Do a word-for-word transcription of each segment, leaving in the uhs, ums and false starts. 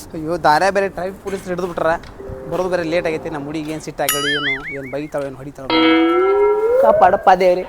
ಅಯ್ಯೋ ದಾರ್ಯ ಬೇರೆ traffic police ಹಿಡಿದು ಬಿಟ್ರ ಬರೋದು ಬೇರೆ ಲೇಟ್ ಆಗೈತಿ ನಮ್ಮ ಹುಡುಗಿ ಏನು ಸಿಟ್ಟು ಆಗಡಿ ಏನು ಏನು ಬೈತಾಳೆ ಏನು ಹೊಡಿತಾಳೆ ಕಾಪಾಡಪ್ಪ ದೇವ್ರಿ.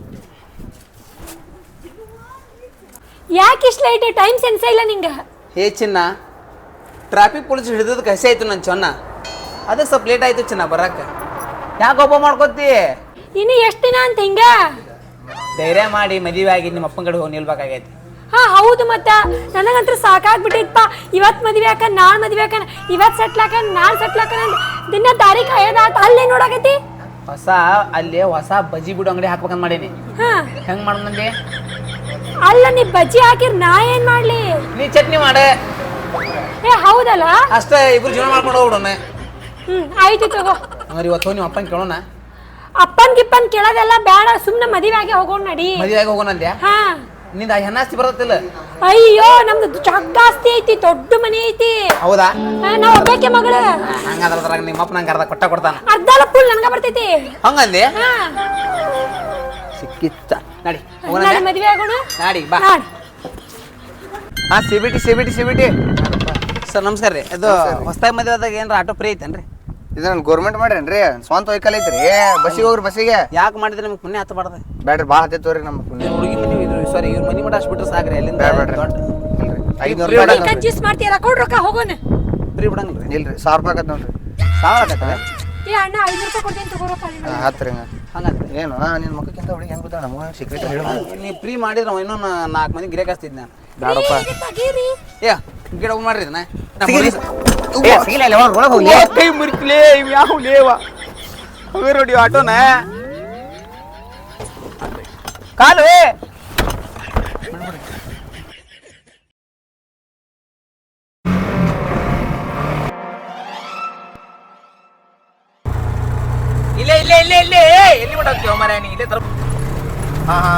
ಯಾಕೆ ಇಷ್ಟು ಲೈಟ್ ಟೈಮ್ ಸೆನ್ಸ್ ಇಲ್ಲ ನಿಂಗೆ? ಹೇ ಚಿನ್ನ, ಟ್ರಾಫಿಕ್ ಪೊಲೀಸ್ ಹಿಡಿದಕ್ಕೆ ಹಸಿ ಆಯ್ತು ನನ್ನ ಚೊನ್ನ, ಅದಕ್ಕೆ ಸ್ವಲ್ಪ ಲೇಟ್ ಆಯ್ತು ಚಿನ್ನ ಬರಕ್ಕೆ. ಯಾಕೆ ಒಬ್ಬ ಮಾಡ್ಕೋತಿ? ಇನ್ನು ಎಷ್ಟು ದಿನ ಅಂತ ಹಿಂಗ ಧೈರ್ಯ ಮಾಡಿ ಮದುವೆ ಆಗಿ ನಿಮ್ಮ ಅಪ್ಪನ ಕಡೆ ಹೋಗಿ ನಿಲ್ಬೇಕಾಗೈತಿ. ಹಾ ಹೌದು, ಮತ್ತ ನನಗಂತೂ ಸಾಕಾಗ್ಬಿಟ್ಟಿತ್ತಪ್ಪ. ಇವತ್ತು ಮದ್ವೆ ಹಾಕ ನಾಳೆ ಮದ್ವೆ ಹಾಕ, ಇವತ್ತು ಸೆಟ್ಲ್ ಹಾಕ ನಾಳೆ ಸೆಟ್ಲ್ ಹಾಕ, ದಿನ ತಾರೀಖ್ ಕಾಯೋದಾತ. ಅಲ್ಲೇ ನೋಡಾಕತಿ ಹೊಸ ಅಲ್ಲಿ ಹೊಸ ಬಜ್ಜಿ ಬಿಡು ಅಂಗಡಿ ಹಾಕ್ಬೇಕಂತ ಮಾಡೀನಿ. ಹಾ ಹೆಂಗ್ ಮಾಡಂದೆ? ಅಲ್ಲ ನೀ ಬಜ್ಜಿ ಹಾಕಿರ್ ನಾ ಏನ್ ಮಾಡ್ಲಿ? ನೀ ಚಟ್ನಿ ಮಾಡೆ. ಏ ಹೌದಲ್ಲ, ಅಷ್ಟೇ ಇಬ್ರು ಜೀವನ ಮಾಡ್ಕೊಂಡು ಹೋಗ್ಬಿಡೋಣ. ಹ್ಮ್ ಆಯ್ತು ತಗೋ. ಹಂಗಾರೆ ಇವತ್ತು ನಿಮ್ಮ ಅಪ್ಪನ ಕೇಳೋಣ. ಅಪ್ಪನ್ ಗಿಪ್ಪನ್ ಕೇಳೋದೆಲ್ಲ ಬೇಡ, ಸುಮ್ನೆ ಮದುವೆ ಆಗಿ ಹೋಗೋಣ ನಡಿ. ಮದುವೆ ಆಗಿ ಹೋಗೋಣ ಅಂದ್ಯಾ? ಹಾ ನಿಂದ ಹೆಣ್ಣಾಸ್ತಿ ಬರತ್ತಿಲ್ಲ? ಅಯ್ಯೋ ನಮ್ದು ಜಗ್ಗ ಆಸ್ತಿ ಐತಿ, ದೊಡ್ಡ ಮನೆ ಐತಿ. ಹೌದಾ? ನಾವ್ ಒಬ್ಬಾಕೆ ಮಗಳ. ಹಂಗದ್ರಾಗ ನಿಮ್ಮ ಅಪ್ಪ ನಂಗೆ ಅರ್ಧ ಕೊಟ್ಟ ಕೊಡ್ತಾನ. ಅರ್ಧ ಫುಲ್ ನನಗ ಬರ್ತೈತಿ. ಹಂಗಂದಿ? ಹಾ ಸಿಕ್ಕಿತ್ತ. ನಡಿ ನಾಳೆ ಮದುವೆ ಆಗೋಣ. ನಾಡಿ ಬಾ. ಹಾ ಸಿಬಿಟಿ ಸಿಬಿಟಿ ಸಿಬಿಟಿ ಸರ್ ನಮಸ್ಕಾರ ರೀ. ಇದು ಹೊಸದಾಗಿ ಮದುವೆ ಆದಾಗ ಏನಾರ ಆಟೋ ಫ್ರೀ ಐತೇನ್ರಿ? ಇದು ನಾನು ಗೌರ್ಮೆಂಟ್ ಮಾಡ್ರೇನ್ರಿ? ಸ್ವಂತ ವೆಹಿಕಲ್ ಐತ್ರಿ. ಬಸ್ಸಿಗೆ ಹೋಗ್ರಿ ಬಸ್ಸಿಗೆ. ಯಾಕೆ ಮಾಡಿದ್ರೆ ನಿಮ್ಗೆ ಪುಣ್ಯ ಹತ್ತಬಾರ್ದು? ಬ್ಯಾಡ್ರಿ, ಭಾಳ ಹತ್ತೈತವ್ರಿ ನಮ್ಮ ಪುಣ್ಯ. ಹುಡುಗಿ ಮನೆ ಇದ್ರು ಸಾರಿ ಇವ್ರ ಮನೆ ಮಠ ಅಷ್ಟು ಬಿಟ್ರೆ ಸಾಕ್ರಿ. ಅಲ್ಲಿಂದ ಐನೂರು ಫ್ರೀ ರೂಪಾಯಿ ಕನ್ಜ್ಯೂಸ್ ಮಾಡ್ತೀರಾ? ಕೊಡ್ ರೊಕ್ಕ ಹೋಗೋಣ. ಫ್ರೀ ಬಿಡಂಗಿಲ್ಲ ರೀ? ಇಲ್ರಿ, ಸಾವಿರ ರೂಪಾಯಿ ಆಗತ್ತೆ ನೋಡ್ರಿ. ಸಾವಿರ ಆಗತ್ತೆ? ಏ ಅಣ್ಣ ಐನೂರು ರೂಪಾಯಿ ಕೊಡ್ತೀನಿ ತಗೋರಪ್ಪ. ಹತ್ತು ರೀ. ಹಂಗಂತ ಏನು ನಿನ್ನ ಮಕ್ಕಕ್ಕಿಂತ ಹುಡುಗಿ ಹೆಂಗೆ ಗೊತ್ತಾ ನಮಗೆ ಸೀಕ್ರೆಟ್ ಹೇಳ್ಬೋದು. ನೀವು ಫ್ರೀ ಮಾಡಿದ್ರೆ ನಾವು ಇನ್ನೂ ನಾಲ್ಕು ಮಂದಿ ಗಿರಾಕ್ ಹಚ್ತಿದ್ ನಾನು. ಬ್ಯಾಡಪ್ಪ. ಏ ಗಿಡ ಹೋಗಿ ಮಾಡ್ರಿ ಇದನ್ನ. ಕೈ ಮುರಿಕ್ಲೇ ಇವ್ ಯಾವ ಲೇವ ಹೋಗಿ ನೋಡಿ ಆಟೋನ ಕಾಲು. ಇಲ್ಲೇ ಇಲ್ಲೇ ಇಲ್ಲೇ ಇಲ್ಲೇ ಎಲ್ಲಿ ಬಿಟ್ಟೋಗ್ತೀವ ಮರ ನೀ ಇಲ್ಲೇ ತರ. ಹಾ ಹಾ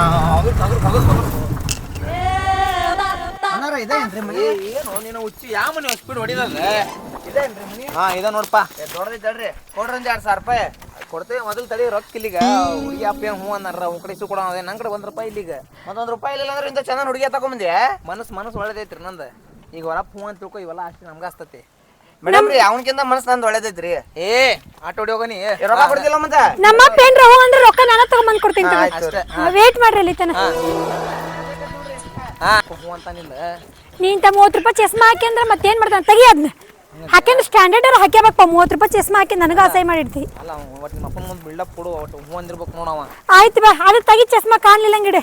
ಏನು ನೀನು ಹುಚ್ಚಿ ಯಾವ ಮನೆ ಸ್ಪೀಡ್ ಹೊಡಿದಲ್ಲ? ಹಾ ಇದ ನೋಡಪ್ಪ ದೊಡ್ಡದೈತಲ್ರಿ, ಕೊಡ್ರಿ ಒಂದು ಎರಡು ಸಾವಿರ ರೂಪಾಯಿ ಕೊಡ್ತೇವೆ. ಮೊದಲು ತಡಿ ರೊಕ್ಕ ಇಲ್ಲಿಗ ಹುಡುಗಿ ಅಪ್ಪ ಹ್ಞೂ ಅನ್ನಾರ ಅವ್ನ ಕಡೆ ಇಸು ಕೊಡೋಣ. ನನ್ನ ಕಡೆ ಒಂದು ರೂಪಾಯಿ ಇಲ್ಲಿಗ. ಮತ್ತೊಂದು ರೂಪಾಯಿ ಇಲ್ಲ ಅಂದ್ರೆ ಇಂಥ ಚೆನ್ನಾಗಿ ಹುಡುಗಿ ತಗೊಂಬಂದೆ. ಮನಸ್ಸು ಮನಸ್ಸು ಒಳ್ಳೇದೈತ್ರಿ ನಂದು. ಈಗ ಹೊರಪ್ಪ ಹ್ಞೂ ಅಂತ ತಿಳ್ಕೊ, ಇವೆಲ್ಲ ಅಷ್ಟು ನಮ್ಗೆ ಹಸ್ತತಿ. ಮೇಡಮ್ ರೀ, ಅವನಕ್ಕಿಂತ ಮನಸ್ಸು ನಂದು ಒಳ್ಳೇದೈತ್ರಿ. ಏ ಆಟೋ ಹೊಡಿ ಹೋಗನಿ. ರೊಕ್ಕ ಕೊಡ್ತಿಲ್ಲ ಮತ್ತೆ? ನಮ್ಮ ಪೇನ್ ರವ ಅಂದ್ರೆ ರೊಕ್ಕ ನಾನು ತಗೊಂಬಂದ್ ಕೊಡ್ತೀನಿ. ವೇಟ್ ಮಾಡ್ರಿ ಅಲ್ಲಿ ತನ. ಹಾ ಹ್ಞೂ ಅಂತ ನಿಲ್ಲ. ನೀಂತ ಮೂವತ್ತು ರೂಪಾಯಿ ಚಸ್ಮಾ ಹಾಕಿ ಅಂದ್ರೆ ಮತ್ತೇನ್ ಮಾಡ್ತಾನೆ? ತೆಗಿ ಅದನ್ನ ಹಾಕ್ಯಂದ್ರೆ ಸ್ಟ್ಯಾಂಡರ್ಡ್ ಹಾಕ್ಯಬೇಕಪ್ಪ. ಮೂವತ್ತು ರೂಪಾಯಿ ಚಸ್ಮಾ ಹಾಕಿ ನನಗ ಅಸಹ್ಯ ಮಾಡಿರ್ತಿ. ಅಲ್ಲ ಒಟ್ಟು ನಿಮ್ಮ ಅಪ್ಪನ ಮುಂದೆ ಬಿಲ್ಡಪ್ ಕೊಡು. ಒಟ್ಟು ಹ್ಞೂ ಅಂದಿರ್ಬೇಕು ನೋಡವ. ಆಯ್ತು ಬಾ, ಅದು ತೆಗಿ ಚಸ್ಮಾ ಕಾಣ್ಲಿಲ್ಲ ಗಿಡ.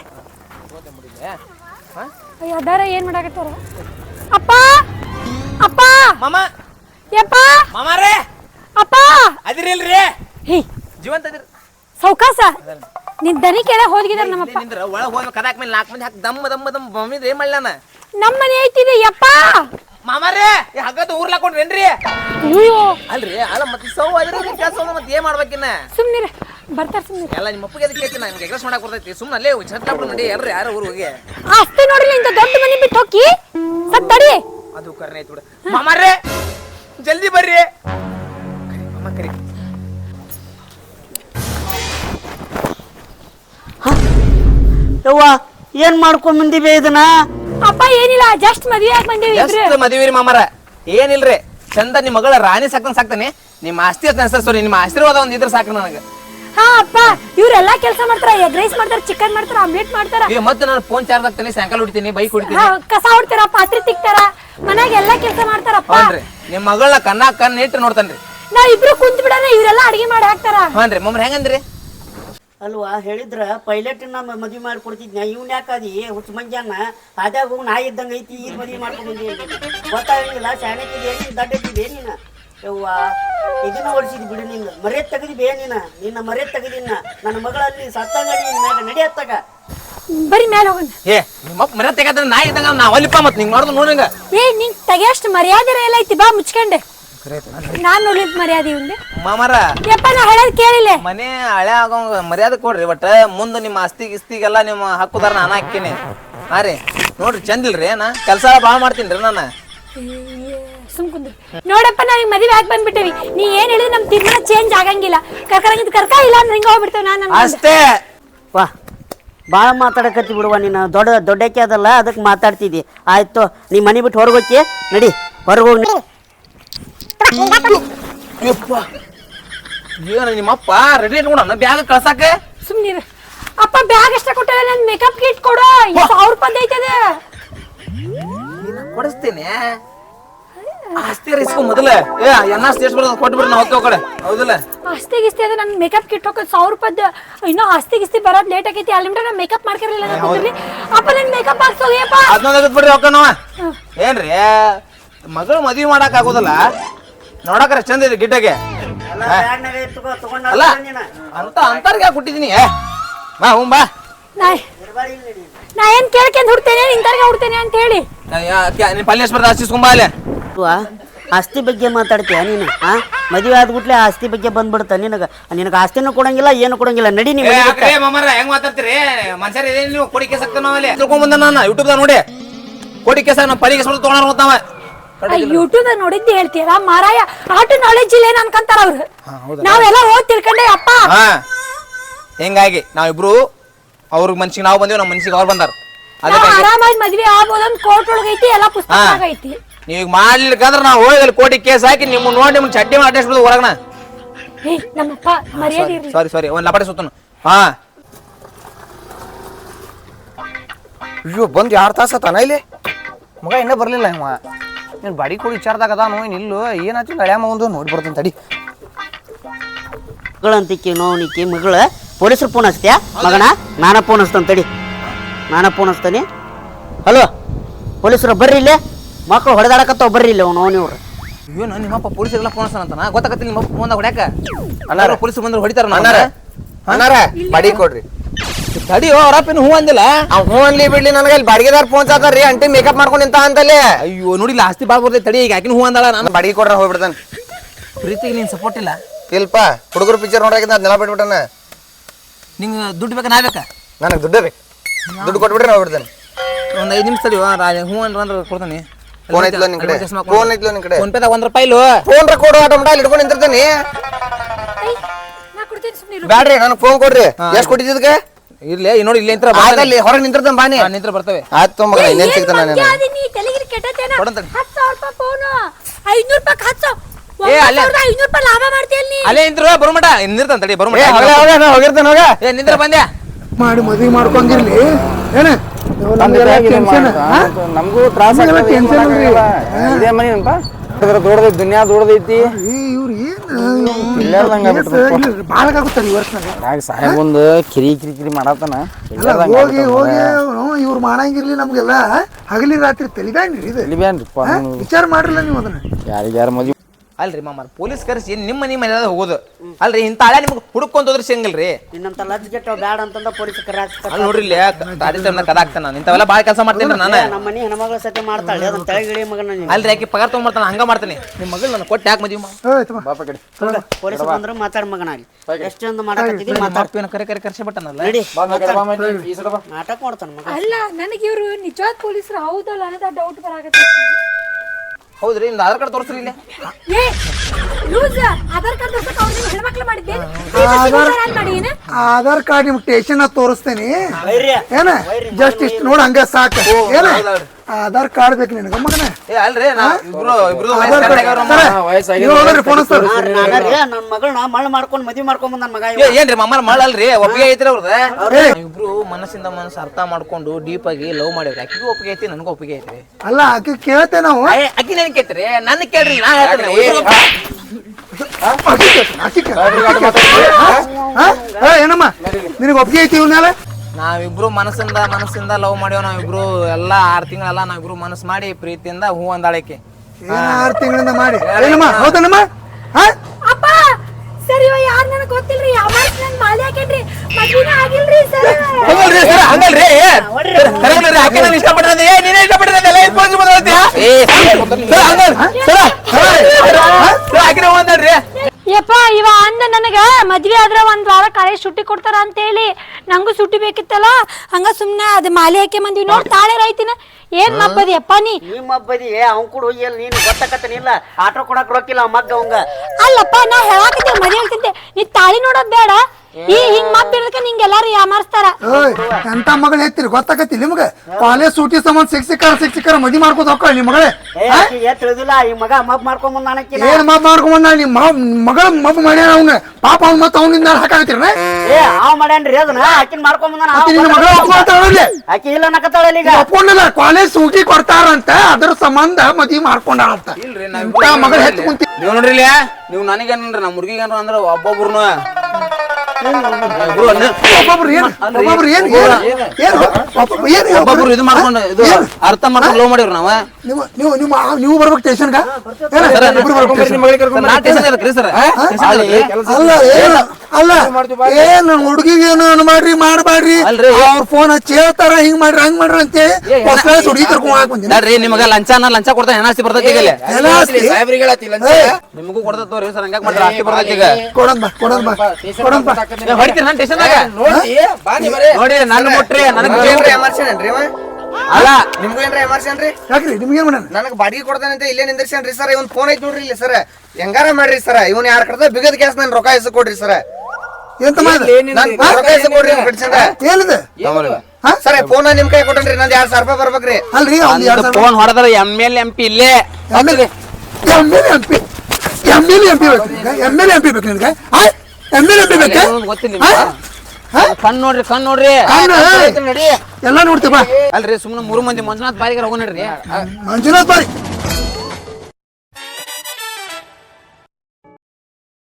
ಅಯ್ಯ ಅದಾರ ಏನ್ ಮಾಡಾಕತ್ತಾರ? ಅಪ್ಪ ಅಪ್ಪ ಮಾಮ ಯಪ್ಪ ಮಾಮಾರೇ ಅಪ್ಪ ಅದಿರಿಲ್ರಿ? ಹೇ ಜೀವಂತ ಅದಿರಿ ಸೌಕಾಸ ನಿನ್ ದನಿ ಕೇಳ ಹೋಗಿದಾರ ನಮ್ಮಪ್ಪ. ನಿಂದ್ರ ಒಳಗೆ ಹೋಗ್ಬೇಕು. ಕದಾಕ್ ಮೇಲೆ ನಾಲ್ಕು ಮಂದಿ ಹಾಕಿ ದಮ್ಮ ದಮ್ಮ ದಮ್ಮ ಬಮ್ಮಿದ್ರೆ ಏನ್ ಮಾಡ್ಲಾನ? ನಮ್ಮ ಮನೆ ಐತಿದೆ ಯಪ್ಪ. ಮಾಮಾರೇ ಹಗ್ಗದ ಊರ್ಲಾಕೊಂಡ್ರೇನ್ರಿ? ಅಯ್ಯೋ ಅಲ್ರಿ ಅಲ್ಲ ಮತ್ತೆ ಸೌ ಅದ್ರ ಕೆಲಸ ಮತ್ತೆ ಏನ್ ಮಾಡ್ಬೇಕಿನ್ನ? ಸುಮ್ನಿರ ಬರ್ತಾರ ಸುಮ್ನಿರ. ಎಲ್ಲ ನಿಮ್ಮ ಅಪ್ಪಗೆ ಅದಕ್ಕೆ ಕೇಳ್ತೀನಿ. ನಂಗೆ ಎಗ್ರೆಸ್ ಮಾಡಕ್ ಬರ್ತೈತಿ. ಸುಮ್ಮನೆ ಅಲ್ಲೇ ಚಟ್ಲಾಬಿಡು ನಡಿ. ಎಲ್ರಿ ಯಾರು ಊರು ಹೋಗಿ ಅಷ್ಟೇ ನೋಡ್ರಿ, ಇಂತ ದೊಡ್ಡ ಮನೆ ಬಿಟ್ಟು ಹೋಗಿ ಸತ್ ತಡಿ. ಅದು ಕರ್ನೆ ಐತಿ ಬಿಡು. ಮಾಮಾರೇ ಜಲ್ದಿ ಬರ್ರಿ. ಅಮ್ಮ ಕರಿ. ಯವ್ವ ಏನ್ ಮಾಡ್ಕೊಂಡ್ ಬಂದಿವೆ ಇದನ್ನ? ಅಪ್ಪ ಏನಿಲ್ಲ, ಜಸ್ಟ್ ಮದುವೆ ಆಗಿ ಬಂದೇವಿ. ಎಷ್ಟು ಮದುವೆ ಮಾಮಾರ? ಏನಿಲ್ರಿ, ಚಂದ ನಿಮ್ಮ ಮಗಳ ರಾಣಿ ಸಾಕ್ತಾನೆ ಸಾಕ್ತಾನೆ. ನಿಮ್ಮ ಆಸ್ತಿ ಅಂತ ಅನ್ಸರಿ, ನಿಮ್ಮ ಆಶೀರ್ವಾದ ಒಂದ್ ಇದ್ರ ಸಾಕು ನನಗೆ. ಹಾ ಅಪ್ಪ, ಇವ್ರೆಲ್ಲಾ ಕೆಲಸ ಮಾಡ್ತಾರ. ಎಗ್ ರೈಸ್ ಮಾಡ್ತಾರ, ಚಿಕನ್ ಮಾಡ್ತಾರ, ಆಮ್ಲೆಟ್ ಮಾಡ್ತಾರ. ಈಗ ಮತ್ತೆ ನಾನು ಫೋನ್ ಚಾರ್ಜ್ ಆಗ್ತಾನೆ, ಸಾಯಂಕಾಲ ಹೊಡಿತೀನಿ, ಬೈಕ್ ಹೊಡಿತೀನಿ, ಕಸ ಹೊಡ್ತಾರ, ಪಾತ್ರೆ ತಿಕ್ತಾರ, ಮನ್ಯಾಗ ಎಲ್ಲಾ ಕೆಲಸ ಮಾಡ್ತಾರಪ್ಪ. ಹ್ಞೂನ್ರಿ. ನಿಮ್ಮ ಮಗಳನ್ನ ಕಣ್ಣ ಕಣ್ಣು ಇಟ್ಟು ನೋಡ್ತಾನ್ರಿ. ನಾವ್ ಇಬ್ರು ಕುಂತ್ ಬಿಡೋಣ, ಇವ್ರೆಲ್ಲಾ ಅಡಿಗೆ ಮಾಡಿ ಹಾಕ್ತಾರ. ಹ್ಞೂನ್ರಿ. ಮಮ್ಮಿ ಹೆಂಗಂದ್ರಿ? ಅಲ್ವಾ ಹೇಳಿದ್ರ ಪೈಲಟ್ ನಮ್ಮ ಮದ್ವಿ ಮಾಡ್ಕೊಡ್ತಿದ್ನ. ಇವ್ನ ಯಾಕದಿ ಹುಚ್ಚ ಮಂಜಾನ ಅದಾಗ ಹೋಗಿ ನಾ ಇದ್ದಂಗ ಐತಿ. ಈಗ ಮದ್ವಿ ಮಾಡ್ಕೊಂಡ್ ಬಂದಿ ಗೊತ್ತಾಗಿಲ್ಲ. ಶಾಣೆತಿದೆ ದಡ್ಡತಿದೆ ನೀನ. ಯವ್ವ ಇದನ್ನ ಓಡಿಸಿದ್ ಬಿಡು. ನಿನ್ನ ಮರ್ಯಾದ ತೆಗದಿ ಬೇ ನೀನ. ನಿನ್ನ ಮರ್ಯಾದ ತೆಗದಿನ್ನ. ನನ್ನ ಮಗಳಲ್ಲಿ ಸತ್ತಂಗಡಿ ಮ್ಯಾಗ ನಡಿಯತ್ತಾಗ ಬರೀ ಮ್ಯಾಲ ಹೋಗೋಣ. ಏ ನಿಮ್ಮಪ್ಪ ಮರ್ಯಾದ ತೆಗದ ನಾ ಇದ್ದಂಗ ನಾ ಒಲಿಪ ಮತ್ ನಿಂಗ್ ನೋಡ್ದು ನೋಡಂಗ. ಏ ನಿಂಗ್ ತೆಗಿಯಷ್ಟು ಮರ್ಯಾದೆ ಎಲ್ಲ ಐತಿ. ಬಾ ಮುಚ್ಕೊಂಡೆ. ನಾನ್ ನೋಡ್ಲಿದ್ ಮರ್ಯಾದೆ ಇವ್ನ್ದೆ. ಮಾಮಾರ ಯಪ್ಪ ನಾ ಹೇಳೋದ್ ಕೇಳಿಲ್ಲ. ಮನೆ ಹಳೆ ಆಗೋಂಗ ಮರ್ಯಾದೆ ಕೊಡ್ರಿ. ಬಟ್ ಮುಂದೆ ನಿಮ್ಮ ಆಸ್ತಿ ಗಿಸ್ತಿಗೆಲ್ಲ ನಿಮ್ಮ ಹಕ್ಕುದಾರ ನಾನು ಹಾಕಿನಿ. ಹಾ ರೀ ನೋಡ್ರಿ ಚಂದಿಲ್ರಿ. ನಾ ಕೆಲಸ ಭಾಳ ಮಾಡ್ತೀನಿ ರೀ ನಾನು. ಸುಮ್ ಕುಂದ್ರಿ. ನೋಡಪ್ಪ ನಾವ್ ಮದುವೆ ಆಗಿ ಬಂದ್ಬಿಟ್ಟೇವಿ. ನೀ ಏನ್ ಹೇಳಿದ್ರೆ ನಮ್ ತೀರ್ಮಾನ ಚೇಂಜ್ ಆಗಂಗಿಲ್ಲ. ಕರ್ಕರಂಗಿದ್ ಕರ್ಕ ಇಲ್ಲ ಅಂದ್ರೆ ಹಿಂಗ ಹೋಗ್ಬಿಡ್ತೇವೆ. ನಾನು ಅಷ್ಟೇ. ವಾ ಭಾಳ ಮಾತಾಡಕತ್ತಿ ಬಿಡುವ ನೀನು. ದೊಡ್ಡ ದೊಡ್ಡಕ್ಕೆ ಅದಲ್ಲ ಅದಕ್ಕೆ ಮಾತಾಡ್ತಿದ್ದಿ. ಆಯ್ತು ನೀ ಮನೆ ಬಿಟ್ಟು ಹೊರಗೋಗಿ ನಡಿ. ಹೊರಗೋಗಿ ಯಪ್ಪ ಏನ ನಿಮ್ಮಪ್ಪ ರೆಡಿ ಇಟ್ಕೊಂಡ ಬ್ಯಾಗ್ ಕಳ್ಸಾಕ ಸುಮ್ನಿರು ಅಪ್ಪ ಬ್ಯಾಗ್ ಅಷ್ಟ ಕೊಟ್ಟಲ್ಲ ನನ್ ಮೇಕಪ್ ಕಿಟ್ ಕೊಡು ಸಾವಿರ ರೂಪಾಯಿ ಐತದ ಕೊಡಿಸ್ತೇನೆ ಆಸ್ತಿ ಇಸ್ಕೊ ಮೊದಲ ಏ ಎನ್ನ ಸ್ಟೇಜ್ ಬರೋದು ಕೊಟ್ಬಿಡ್ರಿ ನಾ ಹೋಗ್ತೇವೆ ಕಡೆ ಹೌದಿಲ್ಲ ಆಸ್ತಿ ಗಿಸ್ತಿ ಅದ ನನ್ ಮೇಕಪ್ ಕಿಟ್ ಹೋಗೋದು ಸಾವಿರ ರೂಪಾಯಿ ಇನ್ನೂ ಆಸ್ತಿ ಗಿಸ್ತಿ ಬರೋದ್ ಲೇಟ್ ಆಗೈತಿ ಅಲ್ಲಿ ನಾ ಮೇಕಪ್ ಮಾಡ್ಕಿರ್ಲಿಲ್ಲ ಗೊತ್ತಿರ್ಲಿ ಅಪ್ಪ ನನ್ ಮೇಕಪ್ ಹಾಕ್ಸೋದಿಯಪ್ಪ ಅದನ್ನ ಬಿಡ್ರಿ ಹೋಗ ನಾವ ಏನ್ರಿ ಮಗಳು ಮದ್ವಿ ಮಾಡಕ್ ಆಗೋದಲ್ಲ ನೋಡಕ್ರ ಚಂದ ಇದೆ ಗಿಡ್ಡಗೆ ಅಲ್ಲ ಅಂತ ಅಂತರ್ಗೆ ಕೊಟ್ಟಿದೀನಿ ಬಾ ಹ್ಞೂ ಬಾ ನಾ ನಾ ಏನ್ ಕೇಳ್ಕೊಂಡ್ ಹುಡ್ತೇನೆ ನಿಂತರ್ಗ ಹುಡ್ತೇನೆ ಅಂತ ಹೇಳಿ ಪಲ್ಲೇಶ್ವರದ ಆಸ್ತಿಸ್ಕೊಂಬ ಅಲ್ಲೇ ಆಸ್ತಿ ಬಗ್ಗೆ ಮಾತಾಡ್ತೀಯ ನೀನು ಹಾ ಮದುವೆ ಆದ್ಬಿಟ್ಲೆ ಆಸ್ತಿ ಬಗ್ಗೆ ಬಂದ್ಬಿಡ್ತ ನಿನಗ ನಿನಗ ಆಸ್ತಿನೂ ಕೊಡಂಗಿಲ್ಲ ಏನು ಕೊಡಂಗಿಲ್ಲ ನಡಿ ನೀವು ಮಾಮಾರ ಹೆಂಗ್ ಮಾತಾಡ್ತೀರಿ ಮನುಷ್ಯರ ಇದೇನು ನೀವು ಕೋಡಿ ಕೇಸ್ ಹಾಕ್ತಾನ ಅಲ್ಲಿ ತಿಳ್ಕೊಂಡ್ ಬಂದ ನಾನು ಯೂಟ್ಯೂಬ್ ನೋಡಿ ಕೋಡಿ ಕೇಸ ನಾವು ಪಳಿ ಕೇಸ್ ತೊಗೊಂಡ್ ಹೋಗ್ತಾವ ಯೂಟ್ಯೂಬ್ ನೋಡಿದ್ದು ಹೇಳ್ತೀರಾ ಮಾರಾಯ ಆಟ ನಾಲೆಜ್ ಇಲ್ಲ ಏನ್ ಅನ್ಕಂತಾರ ಅವ್ರು ನಾವೆಲ್ಲ ಹೋಗಿ ತಿಳ್ಕೊಂಡೆ ಅಪ್ಪ ಹಿಂಗಾಗಿ ನಾವಿಬ್ರು ಅವ್ರ ಮನ್ಸಿಗೆ ನಾವು ಬಂದೇವ್ ನಮ್ಮ ಮನ್ಸಿಗೆ ಅವ್ರು ಬಂದಾರ ನಾವ್ ಆರಾಮಾಗಿ ಮದ್ವೆ ಆಗ್ಬೋದು ಅಂತ ಕೋರ್ಟ್ ಒಳಗೈತಿ ಎಲ್ಲಾ ಪುಸ್ತಕ ಐತಿ ನೀವ್ ಮಾಡ್ಲಿಕ್ಕಂದ್ರ ನಾವು ಹೋಗಿ ಕೋಟಿ ಕೇಸ್ ಹಾಕಿ ನಿಮ್ ನೋಡಿ ನಿಮ್ ಚಡ್ಡಿ ಮಾತಾಡ್ಸ್ಬಿಡು ಹೊರಗನ ಏ ನಮ್ಮಪ್ಪ ಮರ್ಯಾದೆ ಇರ್ಲಿ ಸಾರಿ ಸಾರಿ ಒಂದ್ ಲಪಾಟೆ ಸುತ್ತನು ಹಾ ಅಯ್ಯೋ ಬಂದು ಎರಡು ತಾಸ ಆತಾನ ಇಲ್ಲಿ ಮಗ ಇನ್ನೂ ಬರಲಿಲ್ಲ ಇವ ನೀನು ಬಾಡಿ ಕೊಡಿ ವಿಚಾರದಾಗ ಅದಾನು ನಿಲ್ಲು ಏನಾಯ್ತು ನಡ್ಯಾಮ ಒಂದು ನೋಡಿ ಬರ್ತಾನೆ ತಡಿ ಮಗಳಂತಿಕ್ಕಿ ನೋವನಿಕ್ಕಿ ಮಗಳ ಪೊಲೀಸರು ಫೋನ್ ಹಚ್ತೀಯಾ ಮಗನ ನಾನ ಫೋನ್ ಹಚ್ತಾನೆ ತಡಿ ನಾನ ಫೋನ್ ಹಚ್ತಾನೆ ಹಲೋ ಪೊಲೀಸರು ಬರ್ರಿ ಇಲ್ಲೇ ಮಕ್ಕಳು ಹೊಡೆದಾಡಕತ್ತಾವ ಬರ್ರಿ ಇಲ್ಲ ನೋನಿವ್ರು ಅಯ್ಯೋ ನಾನು ನಿಮ್ಮಪ್ಪ ಪೊಲೀಸರಿಗೆಲ್ಲ ಫೋನ್ ಹಚ್ತಾನಂತ ಗೊತ್ತಾಗತ್ತಿಲ್ಲ ನಿಮ್ಮ ಫೋನ್ದಾಗ ಹೊಡ್ಯಾಕ ಅಲ್ಲಾರ ಪೊಲೀಸರು ಬಂದ್ರೆ ಹೊಡಿತಾರ ಅನ್ನಾರ ಅನ್ನಾರ ಬಾಡಿ ಕೊಡ್ರಿ ತಡಿ ಅವ್ರಪ್ಪ ಹೂ ಅಂದಿಲ್ಲ ಅವ್ ಹ್ಞೂ ಅನ್ಲಿ ಬಿಡ್ಲಿ ನನಗೆ ಇಲ್ಲಿ ಬಾಡಿಗೆದಾರ ಫೋನ್ ಚಾತಾರ್ರಿ ಅಂಟಿ ಮೇಕಪ್ ಮಾಡ್ಕೊಂಡು ನಿಂತ ಅಂತಲ್ಲಿ ಅಯ್ಯೋ ನೋಡಿಲ್ಲ ಆಸ್ತಿ ಬಾಳ್ ಬರ್ತೈತೆ ತಡಿ ಈಗ ಯಾಕಿನ ಹೂ ಅಂದಾಳ ನಾನು ಬಾಡಿಗೆ ಕೊಡ್ರ ಹೋಗ್ಬಿಡ್ತಾನೆ ಪ್ರೀತಿಗೆ ನೀನ್ ಸಪೋರ್ಟ್ ಇಲ್ಲ ಇಲ್ಪ ಹುಡುಗರು ಪಿಕ್ಚರ್ ನೋಡಾಕಿದ್ದ ಅದನ್ನೆಲ್ಲ ಬಿಟ್ಬಿಟ್ಟಾನ ನಿಂಗೆ ದುಡ್ಡು ಬೇಕಾ ನಾ ಬೇಕಾ ನನಗೆ ದುಡ್ಡು ಬೇಕು ದುಡ್ಡು ಕೊಟ್ಬಿಟ್ರೆ ಹೋಗ್ಬಿಡ್ತಾನೆ ಒಂದ್ ಐದು ನಿಮಿಷ ತಡಿ ಹೂ ಅಂದ್ರೆ ಅಂದ್ರೆ ಕೊಡ್ತಾನೆ ಫೋನ್ ಐತ್ಲೋ ನಿನ್ ಕಡೆ ಫೋನ್ ಐತ್ಲೋ ನಿನ್ ಕಡೆ ಫೋನ್ ಪೇದಾಗ ಒಂದ್ ರೂಪಾಯಿ ಇಲ್ವೋ ಫೋನ್ ರೆಕಾರ್ಡ್ ಆಟೋ ಮಟ ಇಲ್ಲಿ ಇಟ್ಕೊಂಡು ನಿಂತಿರ್ತಾನೆ ನಾ ಕೊಡ್ತೀನಿ ಸುಮ್ನಿರು ಬ್ಯಾಡ್ರಿ ನನಗೆ ಫೋನ್ ಕೊಡ್ರಿ ಎಷ್ಟು ಕೊಟ್ಟಿದ್ದಕ್ಕೆ ಇರ್ಲಿ ನೋಡಿ ಇಲ್ಲಿ ನಿಂತ್ರ ಆದಲ್ಲಿ ಹೊರಗೆ ನಿಂತಿರ್ತಾನೆ ಬಾನಿ ನಿಂತ್ರ ಬರ್ತವೆ ಆಯ್ತು ಮಗ ಇನ್ನೇನ್ ಸಿಗ್ತಾನೆ ನಾನು ನೀ ತಲೆಗಿರಿ ಕೆಟ್ಟತೇನ ಕೊಡಂತ ಹತ್ತು ಸಾವಿರ ರೂಪಾಯಿ ಫೋನ್ ಐನೂರು ರೂಪಾಯಿ ಹತ್ತು ಏ, ಅಲ್ಲೇ- ಐನೂರು ರೂಪಾಯಿ ಲಾಭ ಮಾಡ್ತೀಯಲ್ಲ ನೀ ಅಲ್ಲೇ ನಿಂತ್ರ ಬರುಮಟ ನಿಂದಿರ್ತಾನ ತಡಿ ಬರುಮಟ ಏ ಹೋಗ ಹೋಗ ನಾ ಹೋಗಿರ್ತಾನೆ ಹೋಗ ಏ ನಿಂದ್ರ ಬಂದ್ಯಾ ಮಾಡಿ ಮದುವೆ ಮಾಡ್ಕೊಂಗಿರ್ಲಿ ಏನ ನಮಗೂ ತ್ರಾಸ ಟೆನ್ಷನ್ ಇದೇ ಮನಿ ಅನ್ಪ ದೊಡ್ಡದೈತಿ ದುನಿಯಾ ದೊಡ್ಡದೈತಿ ಇವ್ರು ಏನು ಭಾಳ ಆಗುತ್ತಾರೆ ಈ ವರ್ಷನಾಗ ಸಾಹೇಬ್ ಒಂದು ಕಿರಿ ಕಿರಿ ಕಿರಿ ಮಾಡತ್ತಾನ ಅಲ್ಲ ಹೋಗಿ ಹೋಗಿ ಇವ್ರು ಮಾಡಂಗಿರ್ಲಿ ನಮ್ಗೆಲ್ಲ ಹಗಲಿ ರಾತ್ರಿ ತಲಿಬ್ಯಾನ್ರಿ ಇದು ಇಲ್ಲಿಬ್ಯಾನ್ರಿಪ್ಪ ವಿಚಾರ ಮಾಡ್ರಲ್ಲ ನೀವು ಅದನ್ನ ಯಾರಿಗ್ಯಾರ ಮದ್ವಿ ಅಲ್ರಿ ಮಾಮಾರ ಪೊಲೀಸ್ ಕರೆಸಿ ನಿಮ್ಮ ಮನಿ ಮನೆ ಹೋಗೋದು ಅಲ್ರಿ ಇಂತ ಹಳೆ ನಿಮ್ಗೆ ಹುಡುಕೊಂತ ಹೋದ್ರೆ ಸಿಂಗಲ್ರಿ ಇನ್ನಂತ ಲಜ್ ಗೆಟ್ಟವ್ ಬ್ಯಾಡ ಅಂತಂದ ಪೊಲೀಸ್ ಕರೆ ಅಲ್ಲಿ ನೋಡ್ರಿ ಇಲ್ಲಿ ದಾರಿ ತಮ್ಮ ಕದಾಕ್ತಾನ ನಾನು ಇಂಥವೆಲ್ಲ ಭಾಳ ಕೆಲಸ ಮಾಡ್ತೀನಿ ನಾನು ನಮ್ಮ ಮನಿ ಹೆಣ್ಮಗಳ ಸತ್ಯ ಮಾಡ್ತಾಳೆ ಅದನ್ನ ತೆಳಗಿಳಿ ಮಗನ ನೀನು ಅಲ್ರಿ ಯಾಕೆ ಪಗಾರ ತೊಗೊಂಬರ್ತಾನ ಹಂಗ ಮಾಡ್ತೀನಿ ನಿಮ್ಮ ಮಗಳು ನಾನು ಕೊಟ್ಟು ಯಾಕೆ ಮದುವೆ ಆಯ್ತಮ್ಮ ಬಾಪ ಕಡೆ ಪೊಲೀಸ್ ಬಂದ್ರು ಮಾತಾಡ್ ಮಗನ ಅಲ್ಲಿ ಎಷ್ಟೊಂದು ಮಾಡಕತ್ತಿದ್ದಿ ಮಾತಾಡ್ ಮಾತಾಡ್ತೀವಿ ಕರೆ ಕರೆ ಕರ್ಸಿ ಬಿಟ್ಟನಲ್ಲ ನಡಿ ಬಾ ಕಡೆ ಬಾ ಮೈತ್ರಿ ಈ ಸಲ ಬಾ ನಾಟಕ ಮಾಡ್ತಾನ ಮಗ ಅಲ್ಲ ನನಗೆ ಇವರು ನಿಜವಾದ ಪೊಲೀಸರು ಹೌದಲ್ಲ ಅನ್ನೋದ ಡೌಟ್ ಬರಾಕತ್ತೆ ಹೌದ್ರಿ ನಿಮ್ದು ಆಧಾರ್ ಕಾರ್ಡ್ ತೋರಿಸ್ರಿ ಇಲ್ಲಿ ಏ ಲೂಸ್ ಆಧಾರ್ ಕಾರ್ಡ್ ತೋರ್ಸಕ್ ಅವ್ರು ಹೆಣ್ಮಕ್ಳು ಮಾಡಿದ್ದೆ ಮಾಡಿ ಏನ ಆಧಾರ್ ಕಾರ್ಡ್ ನಿಮ್ ಸ್ಟೇಷನ್ ತೋರಿಸ್ತೇನೆ ವೈರ್ಯ ಏನ ಜಸ್ಟ್ ಇಷ್ಟು ನೋಡ್ ಹಂಗ ಸಾಕ ಏನ ಆಧಾರ್ ಕಾರ್ಡ್ ಬೇಕು ನಿನಗ ಮಗನ ಏ ಅಲ್ರಿ ನಾ ಇಬ್ರು ಇಬ್ರು ಆಧಾರ್ ಕಾರ್ಡ್ ಫೋನ್ ಹಚ್ತಾರ ನನ್ನ ಮಗಳನ್ನ ಮಳ್ಳ ಮಾಡ್ಕೊಂಡು ಮದ್ವಿ ಮಾಡ್ಕೊಂಡ್ ಬಂದ ನನ್ನ ಮಗ ಏ, ಏನ್ರಿ ಮಮ್ಮರ ಮಳ ಅಲ್ರಿ ಒಪ್ಪಿಗೆ ಐತ್ರಿ ಅವ್ರದ ಇಬ್ರು ಮನಸ್ಸಿಂದ ಮನಸ್ಸು ಅರ್ಥ ಮಾಡ್ಕೊಂಡು ಡೀಪ್ ಆಗಿ ಲವ್ ಮಾಡಿವ್ರಿ ಆಕಿಗೂ ಒಪ್ಪಿಗೆ ಐತಿ ನನಗೂ ಒಪ್ಪಿಗೆ ಐತ್ರಿ ಅಲ್ಲ ಆಕೆ ಕೇಳ್ತೇವೆ ನಾವು ಏ, ಆಕಿ ನನ್ ಕೇಳ್ತೀರಿ ನನ್ನ ಕೇಳ್ರಿ ನಾ ಹೇಳ್ತೀನಿ ಏನಮ್ಮ ನಿನಗೆ ಒಪ್ಪಿಗೆ ಐತಿ ಇವ್ನ ಮೇಲೆ ನಾವಿಬ್ರು ಮನಸ್ಸಿಂದ ಮನಸ್ಸಿಂದ ಲವ್ ಮಾಡ್ಯಾವ ನಾವಿಬ್ರು ಎಲ್ಲಾ ಆರ್ ತಿಂಗಳೆಲ್ಲ ನಾವಿಬ್ರು ಮನಸ್ಸು ಮಾಡಿ ಪ್ರೀತಿಯಿಂದ ಹೂ ಅಂದಾಳಕ್ಕೆ ಏನ್ ಆರು ತಿಂಗಳಿಂದ ಮಾಡಿ ಏನಮ್ಮ ಹೌದನಮ್ಮ ಹಾ ಅಪ್ಪ ಸರಿ ಇವ ಯಾರು ನನಗೆ ಗೊತ್ತಿಲ್ರಿ ಯಾವ ನನ್ ಮಾಲೆ ಹಾಕೇನ್ರಿ ಮದ್ವಿನ ಆಗಿಲ್ರಿ ಸರ್ ಹಂಗಲ್ರಿ ಸರ್ ಹಂಗಲ್ರಿ ಕರೆಕ್ಟ್ರಿ ಆಕೆ ನಾನು ಇಷ್ಟಪಟ್ಟಿರೋದು ಏ ನೀನೇ ಇಷ್ಟಪಟ್ಟಿರೋದು ಎಲ್ಲ ಇಟ್ಕೊಂಡು ಬಂದ್ಬಿಡ್ತೀಯಾ ಏ ಸರ್ ಹಂಗಲ್ ಸರ್ ಆಕಿನ ಒಂದಲ್ರಿ ಯಪ್ಪ ಇವ ಅಂದ ನನಗ ಮದ್ವೆ ಆದ್ರ ಒಂದ್ ವಾರ ಕಾಲೇಜ್ ಸುಟ್ಟಿ ಕೊಡ್ತಾರ ಅಂತ ಹೇಳಿ ನಂಗೂ ಸುಟ್ಟಿ ಬೇಕಿತ್ತಲ್ಲ ಹಂಗ ಸುಮ್ನೆ ಅದ್ ಮಾಲೆ ಹಾಕಿ ಮಂದ್ವಿ ನೋಡ್ ತಾಳೆ ರೈತಿನ ಏನ್ ಮಬ್ಬದಿ ಅಪ್ಪ ನೀ ನಿಮ್ಮ ಹಬ್ಬದಿ ಅವ್ನ್ ಕೂಡ ಹೋಗಿ ಅಲ್ಲಿ ನೀನು ಗೊತ್ತಾಕತ್ತನಿಲ್ಲ ಆಟೋ ಕೊಡಕ್ ರೊಕ್ಕಿಲ್ಲ ಮಗ್ಗ ಅವಂಗ ಅಲ್ಲಪ್ಪ ನಾ ಹೇಳಾಕತ್ತೀನಿ ಮದ್ವೆ ಹೇಳ್ತಿದ್ದೆ ನೀ ತಾಳಿ ನೋಡೋದ್ ಬೇಡ ಈ ಹಿಂಗ್ ಮಬ್ಬಿರ್ದಕ್ಕ ನಿಂಗೆ ಎಲ್ಲಾರು ಯಾಮಾರ್ಸ್ತಾರ. ಓಯ್ ಎಂತ ಮಗಳು ಹೇಳ್ತೀರಿ ಗೊತ್ತಾಗತ್ತಿ ನಿಮ್ಗೆ ಕಾಲೇಜ್ ಸೂಟಿ ಸಂಬಂಧ ಶಿಕ್ಷಕರ ಶಿಕ್ಷಕರ ಮದಿ ಮಾಡ್ಕೋತ ಹೋಗ್ಕೊಳ್ಳಿ ನಿಮ್ಮ ಮಗಳೇ ಏ ತಿಳಿದಿಲ್ಲ ಈ ಮಗ ಮಬ್ ಮಾಡ್ಕೊಂಡ್ ಬಂದ ಅನ್ನಕ್ಕಿಲ್ಲ. ಏನ್ ಮಬ್ಬ ಮಾಡ್ಕೊಂಡ್ ನಿಮ್ಮ ಮಗಳ ಮಬ್ಬ ಮಾಡ್ಯಾನ ಅವ್ನ ಪಾಪ ಅವ್ನ ಮತ್ತೆ ಅವನಿಂದ ಹಾಕಾಕತ್ತೀರ ಏ ಅವ್ ಮಾಡ್ಯಾನ್ರಿ ಅದನ್ನ ಆಕಿನ್ ಮಾಡ್ಕೊಂಡ್ ಬಂದಾನ. ನಿನ್ನ ಮಗಳ ಒಪ್ಕೊಳ್ತಾಳಲ್ಲಿ ಆಕಿ ಇಲ್ಲ ನಕತ್ತಾಳಲ್ಲ ಈಗ. ಒಪ್ಕೊಂಡಿಲ್ಲ ಕಾಲೇಜ್ ಸೂಟಿ ಕೊಡ್ತಾರಂತ ಅದ್ರ ಸಂಬಂಧ ಮದಿ ಮಾಡ್ಕೊಂಡಾಳಂತ ಇಂತ ಮಗಳ ಹೆಚ್ಚು ಕುಂತಿ ನೀವು ನೋಡ್ರಿ ಇಲ್ಲಿ ನೀವು ನನಗೇನ್ರಿ ನಮ್ಮ ಹುಡುಗಿಗೇನ್ರ ಅಂದ್ರೆ ಒಬ್ಬೊಬ್ರು ಒಬ್ಬೊಬ್ರು ಏನ್ ಒಬ್ಬೊಬ್ರು ಏನ್ ಏನ್ ಏನ್ ಒಬ್ಬೊಬ್ರು ಏನ್ ಒಬ್ಬೊಬ್ರು ಇದು ಮಾಡ್ಕೊಂಡು ಇದು ಅರ್ಥ ಮಾಡ್ಕೊಂಡು ಲವ್ ಮಾಡಿವ್ರಿ ನಾವ. ನೀವು ನೀವು ನಿಮ್ಮ ನೀವು ಬರ್ಬೇಕು ಸ್ಟೇಷನ್ಗ ಅಲ್ಲ ಏನು ಅಲ್ಲ ಏನ್ ಹುಡುಗಿಗೆ ಏನು ಮಾಡ್ರಿ ಮಾಡ್ಬ್ಯಾಡ್ರಿ ಅವ್ರ ಫೋನ್ ಹಚ್ಚಿ ಹೇಳ್ತಾರ ಹಿಂಗ್ ಮಾಡ್ರಿ ಹಂಗ್ ಮಾಡ್ರಿ ಅಂತ ಹೊಸ ಹುಡುಗಿ ಕರ್ಕೊಂಡ್ ಹಾಕ್ ಬಂದಿನ ನೋಡ್ರಿ ನಿಮಗ ಲಂಚನ ಲಂಚ ಕೊಡ್ತಾ ಹೆಣಾಸ್ತಿ ಬರ್ತೈತಿ ಈಗ ಎಲ್ಲ ಆಸ್ತಿ ನಿಮಗೂ ಕೊಡ್ತೈತಿ ತೋರಿ ಸರ್ ಹಂಗಾಕ್ ಮಾಡ್ರಿ ಆಸ್ತಿ ಬರ್ತೈತಿ ಈಗ ಕೊಡನ್ ಬಾ ಕೊಡನ್ ಬಾ ಕೊಡನ್ ಬಾ ಹೊಡಿತೀನಿ ನಾನು ಸ್ಟೇಷನ್ದಾಗ ನೋಡಿ ನನ್ನ ಮುಟ್ರಿ ನನಗೆ ಅಲ್ಲ ನಿಮ್ಗೂ ಏನ್ರ ಎಮರ್ಜೆನ್ರಿ ಯಾಕ್ರಿ ನಿಮ್ಗೇನ್ ಮಾಡ್ಯಾನ ನನಗ್ ಬಾಡಿಗೆ ಕೊಡ್ತಾನಂತ ಇಲ್ಲೇ ನಿಂದಿರ್ಸೇನ್ರಿ ಸರ್ ಇವನ್ ಫೋನ್ ಐತಿ ನೋಡ್ರಿ ಇಲ್ಲಿ ಸರ್ ಹೆಂಗಾರ ಮಾಡ್ರಿ ಸರ್ ಇವನ್ ಯಾರ ಕಡೆ ಬಿಗದ್ ಗ್ಯಾಸ್ ನನ್ ರೊಕ್ಕ ಇಸ್ ಕೊಡ್ರಿ ಸರ್ ಎಂತ ಮಾಡ ನನ್ ರೊಕ್ಕ ಇಸ್ ಕೊಡ್ರಿ ಕಡ್ಸಂದ ಏನಿದೆ ಸರ್ ಫೋನ್ ನಿಮ್ ಕೈ ಕೊಟ್ಟನ್ರಿ ನಂದ್ ಎರಡ್ ಸಾವಿರ ರೂಪಾಯಿ ಬರ್ಬೇಕ್ರಿ ಅಲ್ರಿ ಅವ್ನ್ ಎರಡ್ ಸಾವಿರ ಫೋನ್ ಹೊಡೆದ್ರ ಎಮ್ ಎಲ್ ಎಂ ಪಿ ಇಲ್ಲೇ M L M P M L M P ಬೇಕು ಎಮ್ ಎಲ್ ಎಂ ಪಿ ಬೇಕು ನಿನ್ಗೆ ಎಮ್ ಎಲ್ ಎಂ ಪಿ ಬೇಕು ಗೊತ್ತಿಲ್ಲ ಕಣ್ ನೋಡ್ರಿ ಕಣ್ ನೋಡ್ರಿ ಎಲ್ಲ ನೋಡ್ತೀವಿ ಬಾ ಅಲ್ರಿ ಸುಮ್ಮನೆ ಮೂರು ಮಂದಿ ಮಂಜುನಾಥ್ ಬಾಯಿಗೆ ಹೋಗೋಣ ನಡ್ರಿ ಮಂಜುನಾಥ್ ಬಾರಿ